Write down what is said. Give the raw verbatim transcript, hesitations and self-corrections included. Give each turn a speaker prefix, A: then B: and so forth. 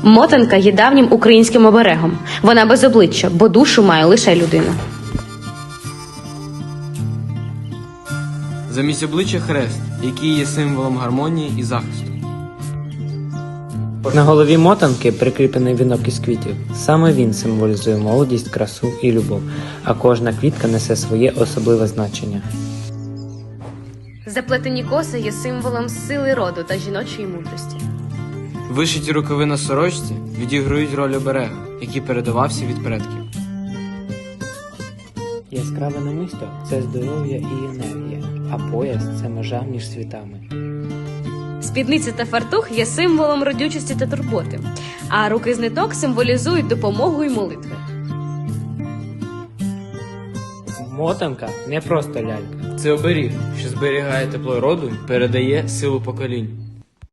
A: Мотанка є давнім українським оберегом. Вона без обличчя, бо душу має лише людина.
B: Замість обличчя хрест, який є символом гармонії і захисту.
C: На голові мотанки прикріплений вінок із квітів. Саме він символізує молодість, красу і любов, а кожна квітка несе своє особливе значення.
A: Заплетені коси є символом сили роду та жіночої мудрості.
B: Вишиті рукави на сорочці відіграють роль оберега, який передавався від предків.
C: Яскраве намисто – це здоров'я і енергія, а пояс – це межа між світами.
A: Спідниця та фартух є символом родючості та турботи, а руки з ниток символізують допомогу і молитви.
C: Мотанка – не просто лялька.
B: Це оберіг, що зберігає тепло роду і передає силу поколінь.